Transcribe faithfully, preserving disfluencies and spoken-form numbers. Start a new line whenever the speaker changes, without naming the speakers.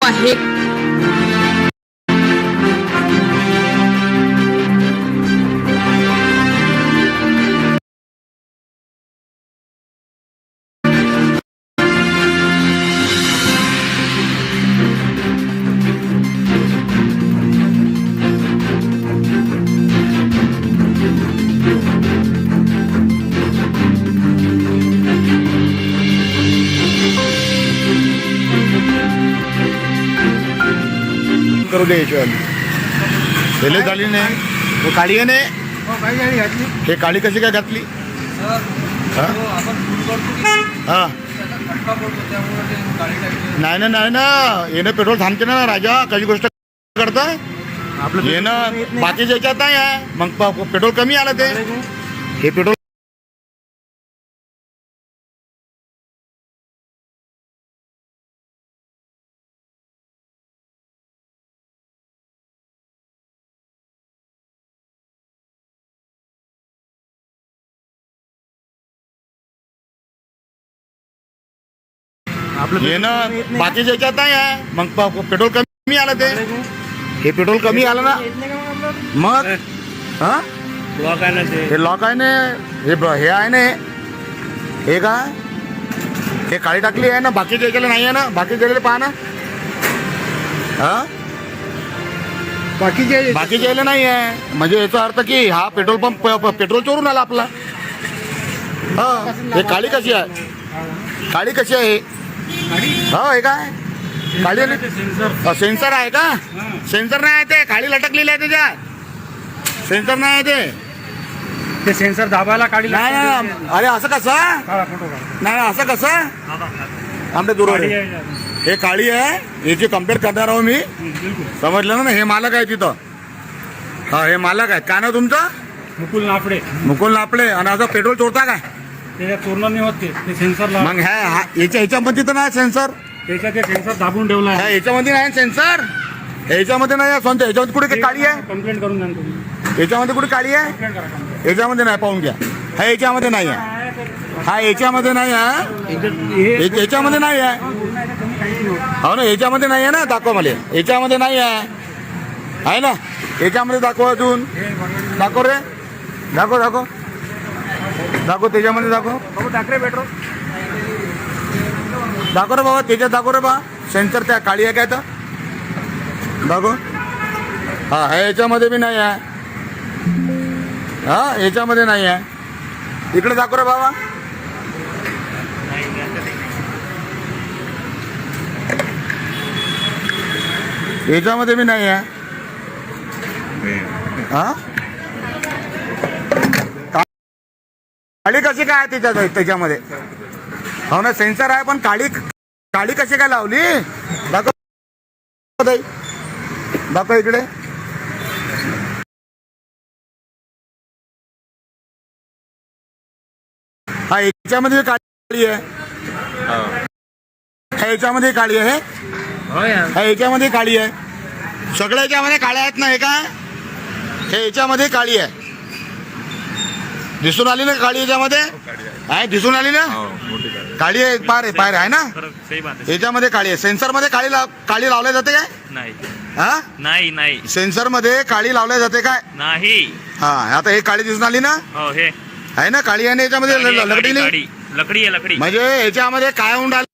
आहे।
करू दे याच्यावाली पहिले झाली नाही हे काळी आहे नाही हे काळी कशी काय घातली हा हा नाही ना नाही ना येणं पेट्रोल थांबते ना राजा कशी गोष्ट करता आपलं येणं बाकीच्या याच्यात नाही आहे मग पेट्रोल कमी आलं ते हे पेट्रोल आपलं येणं बाकीच्या याच्यात नाही आहे मग पेट्रोल कमी आलं ते हे पेट्रोल कमी आलं ना मग हा
लॉक आहे ना ते
हे लॉक आहे ना हे हे आहे ना हे काय हे काळी टाकली आहे ना बाकीच्या याच्याला नाही आहे ना बाकीच्या पहा ना हा
बाकीचे
बाकीच्या याला नाही आहे म्हणजे याचा अर्थ की हा पेट्रोल पंप पेट्रोल चोरून आला आपला हा हे काळी कशी आहे काळी कशी आहे हो हे काय काळी सेन्सर आहे का सेन्सर नाही आहे ते काळी लटकलेली आहे त्याच्यात सेन्सर नाही आहे ते
ते सेन्सर दाबायला काढी
नाही नाही अरे असं कसं
फोटो
नाही असं कसं आमच्या दूर हे काळी आहे याची कम्पेअर करणार आहो मी समजलं ना हे मालक आहे तिथं हा हे मालक आहे काय ना तुमचं
मुकुल नाफडे
मुकुल नापडे आणि असं पेट्रोल चोरता काय
त्याच्यात चोरणं नाही होत ते सेन्सर
मग ह्या याच्या ह्याच्यामध्ये तर नाही सेन्सर
त्याच्यात ते सेन्सर दाबून ठेवला
ह्या
आहे
याच्यामध्ये नाही सेन्सर ह्याच्यामध्ये नाही स्वतः ह्याच्यामध्ये कुठे काळी आहे
कंप्लेंट करून द्या ना तुम्ही
याच्यामध्ये कुठे काळी आहे
कंप्लेंट करा complaint.
याच्यामध्ये नाही पाहून घ्या हा याच्यामध्ये नाही आहे हा याच्यामध्ये नाही आहे
हे
हे- याच्यामध्ये नाही आहे हो ना याच्यामध्ये नाही आहे ना दाखवा मला याच्यामध्ये नाही आहे आहे ना याच्यामध्ये दाखव अजून दाखव रे दाखव दाखव दाखव त्याच्यामध्ये दाखव
टाकरे पेट्रोल
दाखव रे बाबा त्याच्यात दाखव रे बा सेन्सर त्या काळी आहे काय तर दाखव हा ह्या याच्यामध्ये बी नाही आहे हा याच्यामध्ये नाही आहे इकडे दाखव रे बाबा याच्यामध्ये बी नाही आहे हा काळी कशी काय आहे त्याच्यात त्याच्यामध्ये हो ना सेन्सर आहे पण काळी काळी कशी काय लावली दाखव दाखव इकडे हा याच्यामध्ये काळी आहे हा याच्यामध्ये काळी आहे हा याच्यामध्ये काळी आहे सगळ्या याच्यामध्ये काळ्या आहेत ना हे काय हे याच्यामध्ये काळी आहे दिसून आली ना काळी याच्यामध्ये आहे दिसून आली ना काळी आहे पार आहे पायर आहे ना याच्यामध्ये काळी आहे सेन्सर मध्ये काळी लाव काळी लावल्या जाते काय
नाही
हा
नाही नाही
सेन्सर मध्ये काळी लावल्या जाते काय
नाही
हा आता हे काळी दिसून आली ना
हो हे
आहे ना काळी आहे ना याच्यामध्ये
गाडी आहे,
लकडी
गाडी,
नाही
गाडी. लकडी आहे लकडी
म्हणजे याच्यामध्ये काय होऊन राहिलं